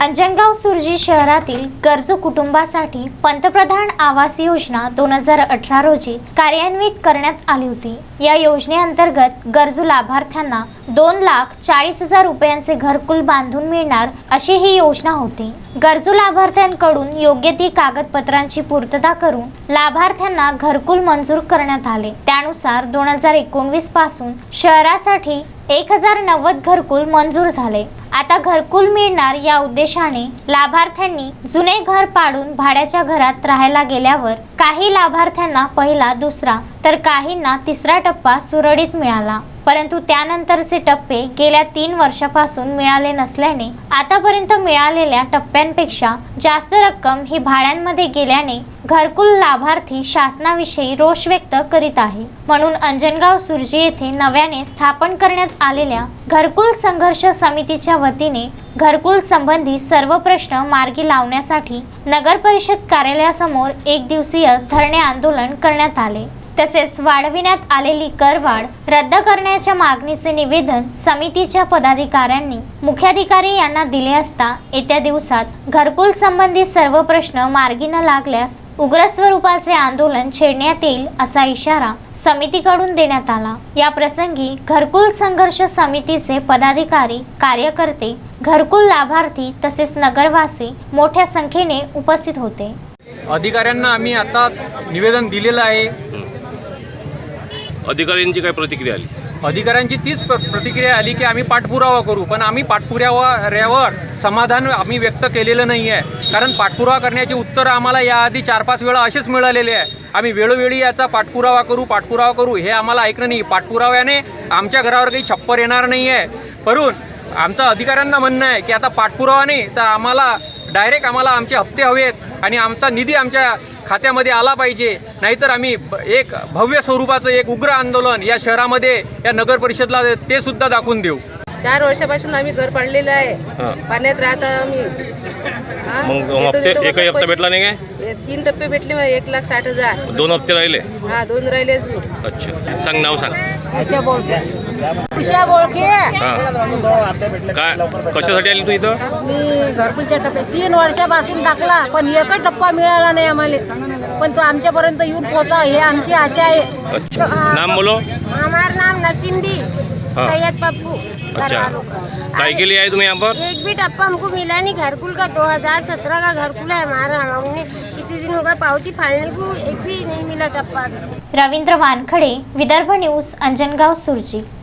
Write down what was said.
अंजनगाव सुर्जी शहरातील गरजू कुटुंबासाठी पंतप्रधान आवास योजना 2018 रोजी कार्यान्वित करण्यात आली होती। या योजनेअंतर्गत गरजू लाभार्थ्यांना 2,40,000 रुपयांचे घरकुल बांधून मिळणार अशी ही योजना होती। गरजू लाभार्थ्यांकडून योग्य ती कागदपत्रांची पूर्तता करून लाभार्थ्यांना घरकुल मंजूर करण्यात आले। त्यानुसार 2019 पासून शहरासाठी 1090 घरकुल मंजूर झाले। आता घरकुल मिळणार या उद्देशाने लाभार्थ्यांनी जुने घर पाडून भाड्याच्या घरात राहायला गेल्यावर काही लाभार्थ्यांना पहिला, दुसरा तर काहींना तिसरा टप्पा सुरळीत मिळाला, परंतु त्यानंतरचे टप्पे गेल्या 3 वर्षापासून मिळाले नसल्याने आतापर्यंत मिळालेल्या टप्प्यांपेक्षा जास्त रक्कम ही भाड्यांमध्ये गेल्याने घरकुल लाभार्थी शासनाविषयी रोष व्यक्त करीत आहे। म्हणून अंजनगाव सुर्जी येथे नव्याने स्थापन करण्यात आलेल्या घरकुल संघर्ष समितीच्या वतीने घरकुल संबंधी सर्व प्रश्न मार्गी लावण्यासाठी नगर परिषद कार्यालयासमोर 1 दिवसीय धरणे आंदोलन करण्यात आले। तसेच वाढविण्यात आलेली करवाढ रद्द करण्याच्या मागणीचे निवेदन समितीच्या पदाधिकाऱ्यांनी मुख्याधिकारी यांना दिले असता येत्या दिवसात घरकुल संबंधी सर्व प्रश्न मार्गी न लागल्यास उग्र स्वरूपाचे आंदोलन छेडण्यात येईल असा इशारा समितीकडून देण्यात आला। या प्रसंगी घरकुल संघर्ष समितीचे पदाधिकारी, कार्यकर्ते, घरकुल लाभार्थी तसेच नगरवासी मोठ्या संख्येने उपस्थित होते। अधिकाऱ्यांना आम्ही आताच निवेदन दिलेलं आहे। अधिकाऱ्यांची काय प्रतिक्रिया आली? अधिकाऱ्यांची तीच प्रतिक्रिया आली की आम्ही पाठपुरावा करू, पण आम्ही पाठपुराव्यावर समाधान आम्ही व्यक्त केलेलं नाही आहे। कारण पाठपुरावा करण्याची उत्तरं आम्हाला याआधी 4-5 वेळा असेच मिळालेले आहे। आम्ही वेळोवेळी याचा पाठपुरावा करू हे आम्हाला ऐकणं नाही। पाठपुराव्याने आमच्या घरावर काही छप्पर येणार नाही आहे, परंतु आमचं अधिकाऱ्यांना म्हणणं आहे की आता पाठपुरावा नाही तर आम्हाला डायरेक्ट आमचे हप्ते हवेत आणि आमचा निधी आमच्या खात्यामध्ये आला पाहिजे, नाहीतर आम्ही एक भव्य स्वरूपाचं एक उग्र आंदोलन या शहरामध्ये या नगर परिषदला ते सुद्धा दाखवून देऊ। 4 वर्षापासून आम्ही घर पाडलेलं आहे, पाण्यात राहत आम्ही। मग हप्ते एकही हप्ता भेटला नाही काय? 3 टप्पे भेटले, 1,60,000। 2 हप्ते राहिले? हा, 2 राहिले। अच्छा, सांग नाव सांग। उषा बोळके। काय कशासाठी आली तू इथं? मी घरकुलच्या टप्प्यात 3 वर्षापासून टाकला, पण एकच टप्पा मिळाला नाही आम्हाला, पण तो आमच्यापर्यंत येऊन पोहोचा हे आमची आशा आहे। अच्छा, नाम बोलो। हमारा नाम नसीमदी सैयद पप्पू। अच्छा, काय के लिए आए तुम यहाँ पर? एक भी टप्पा हमको मिला नहीं। घरकुल का 2017 का घरकुल है हमारा, हमने कितने दिन होगा पावती फाड़ने को, एक भी नहीं मिला टप्पा। रवींद्र वानखडे, विदर्भ न्यूज, अंजनगाव सुर्जी।